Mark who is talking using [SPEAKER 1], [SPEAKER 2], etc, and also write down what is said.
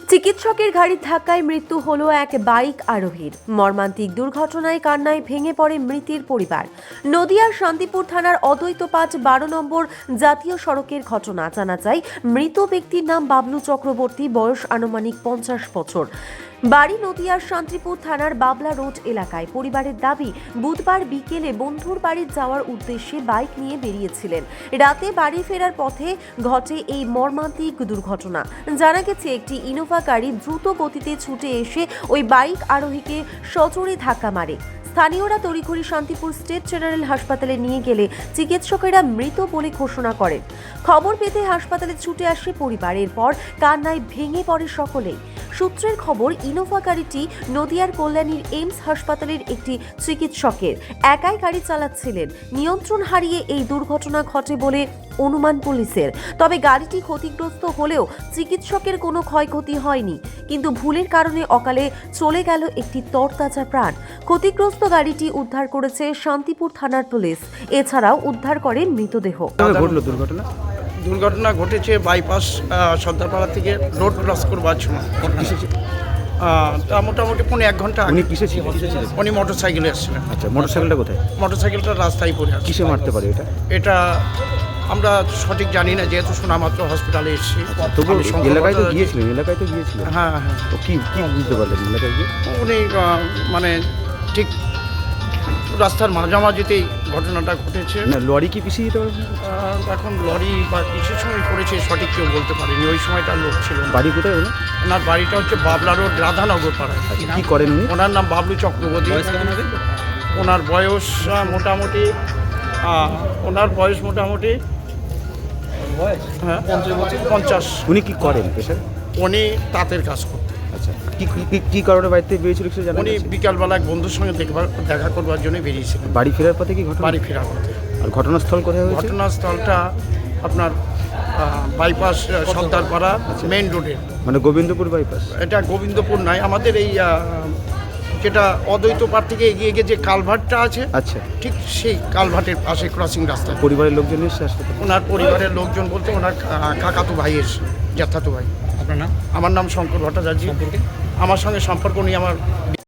[SPEAKER 1] চিকিৎসকের গাড়ির ধাক্কায় মৃত্যু হলো এক বাইক আরোহীর। মর্মান্তিক দুর্ঘটনায় কান্নায় ভেঙে পড়ে মৃতের পরিবার। নদিয়ার শান্তিপুর থানার অদ্বৈত 5-12 নম্বর জাতীয় সড়কের ঘটনা। জানা যায়, মৃত ব্যক্তির নাম বাবলু চক্রবর্তী, বয়স আনুমানিক 50 বছর। বাড়ি নদিয়ার শান্তিপুর থানার বাবলা রোড এলাকায়। পরিবারের দাবি, বুধবার বিকেলে বন্ধুর বাড়ি যাওয়ার উদ্দেশ্যে বাইক নিয়ে বেরিয়েছিলেন। রাতে বাড়ি ফেরার পথে ঘটে এই মর্মান্তিক দুর্ঘটনা। জানা গেছে, একটি ইনোভা গাড়ি দ্রুত গতিতে ছুটে এসে ওই বাইক আরোহীকে সজোরে ধাক্কা মারে। স্থানীয়রা তড়িঘড়ি শান্তিপুর স্টেট জেনারেল হাসপাতালে নিয়ে গেলে চিকিৎসকেরা মৃত বলে ঘোষণা করেন। খবর পেতে হাসপাতালে ছুটে আসে পরিবার। এরপর কান্নায় ভেঙে পড়ে সকলেই। সূত্রের খবর, ইনোভা গাড়িটি নদিয়ার কল্যাণীর এইমস হাসপাতালের একটি চিকিৎসকের। একাই গাড়ি চালাচ্ছিলেন। নিয়ন্ত্রণ হারিয়ে এই দুর্ঘটনা ঘটে বলে অনুমান পুলিশের। তবে গাড়িটি ক্ষতিগ্রস্ত হলেও চিকিৎসকের কোনো ক্ষয়ক্ষতি হয়নি। কিন্তু ভুলের কারণে অকালে চলে গেল একটি তরতাজা প্রাণ। ক্ষতিগ্রস্ত গাড়িটি উদ্ধার করেছে শান্তিপুর থানার পুলিশ। এছাড়াও উদ্ধার করে মৃতদেহ।
[SPEAKER 2] দুর্ঘটনা ঘটেছে বাইপাস সর্দারপাড়া থেকে রোড ক্রস করবার সময়। তা মোটামুটি 1.5 ঘন্টা আগে।
[SPEAKER 3] উনি কিসে ছিলেন?
[SPEAKER 2] উনি মোটরসাইকেলে এসেছিলেন।
[SPEAKER 3] আচ্ছা, মোটরসাইকেলটা কোথায়?
[SPEAKER 2] মোটরসাইকেলটা রাস্তায় পড়ে আছে।
[SPEAKER 3] কিসে মারতে পারে এটা?
[SPEAKER 2] এটা আমরা সঠিক জানি না, যেহেতু শোনামাত্র হসপিটালে এসেছি।
[SPEAKER 3] তবু
[SPEAKER 2] আমি
[SPEAKER 3] এলাকায় তো
[SPEAKER 2] শঙ্করপাড়া-
[SPEAKER 3] গিয়েছিলেন?
[SPEAKER 2] হ্যাঁ হ্যাঁ।
[SPEAKER 3] তো কি বুঝতে পারলেন এলাকায় গিয়ে?
[SPEAKER 2] উনি মানে ঠিক রাস্তার মাঝামাঝিতেই ঘটনাটা ঘটেছে।
[SPEAKER 3] না, লরি কি পিছিয়ে যেতে পারবে?
[SPEAKER 2] এখন লরি বা কিসের সময় করেছে সঠিক কেউ বলতে পারেনি। ওই সময়টা লোক ছিল না।
[SPEAKER 3] বাড়ি কোথায় ওনার?
[SPEAKER 2] ওনার বাড়িটা হচ্ছে বাবলা রোড, রাধানগর পাড়ায়।
[SPEAKER 3] আচ্ছা, কি করেন উনি?
[SPEAKER 2] ওনার নাম বাবলু চক্রবর্তী। ওনার বয়স মোটামুটি হ্যাঁ 50।
[SPEAKER 3] উনি কি করেন পেশায়?
[SPEAKER 2] উনি তাঁতের কাজ করতেন।
[SPEAKER 3] আচ্ছা, কি কারণে বাড়িতে বেরিয়েছিল কিছু জানেন?
[SPEAKER 2] উনি বিকালবেলা এক বন্ধুর সঙ্গে দেখা করবার জন্য বেরিয়েছিলেন।
[SPEAKER 3] বাড়ি ফেরার পথে কি ঘটনা?
[SPEAKER 2] বাড়ি ফেরার পথে।
[SPEAKER 3] আর ঘটনাস্থল কোথায় হয়েছে?
[SPEAKER 2] ঘটনাস্থলটা আপনার বাইপাস সর্দারপাড়া মেইন রোডে।
[SPEAKER 3] মানে গোবিন্দপুর বাইপাস?
[SPEAKER 2] এটা গোবিন্দপুর নয়, আমাদের এই যেটা অদ্বৈত পাড় থেকে এগিয়ে গিয়ে যে কালভার্টটা আছে,
[SPEAKER 3] আচ্ছা,
[SPEAKER 2] ঠিক সেই কালভার্টের পাশে ক্রসিং রাস্তা।
[SPEAKER 3] পরিবারের লোকজন এসে হাসপাতালে?
[SPEAKER 2] ওনার পরিবারের লোকজন বলতে ওনার কাকাতো ভাই এসে, জ্যাঠাতো ভাই।
[SPEAKER 4] আপনার নাম?
[SPEAKER 2] আমার নাম শঙ্কর ভট্টাচার্য। আমার সঙ্গে সম্পর্ক নিয়ে আমার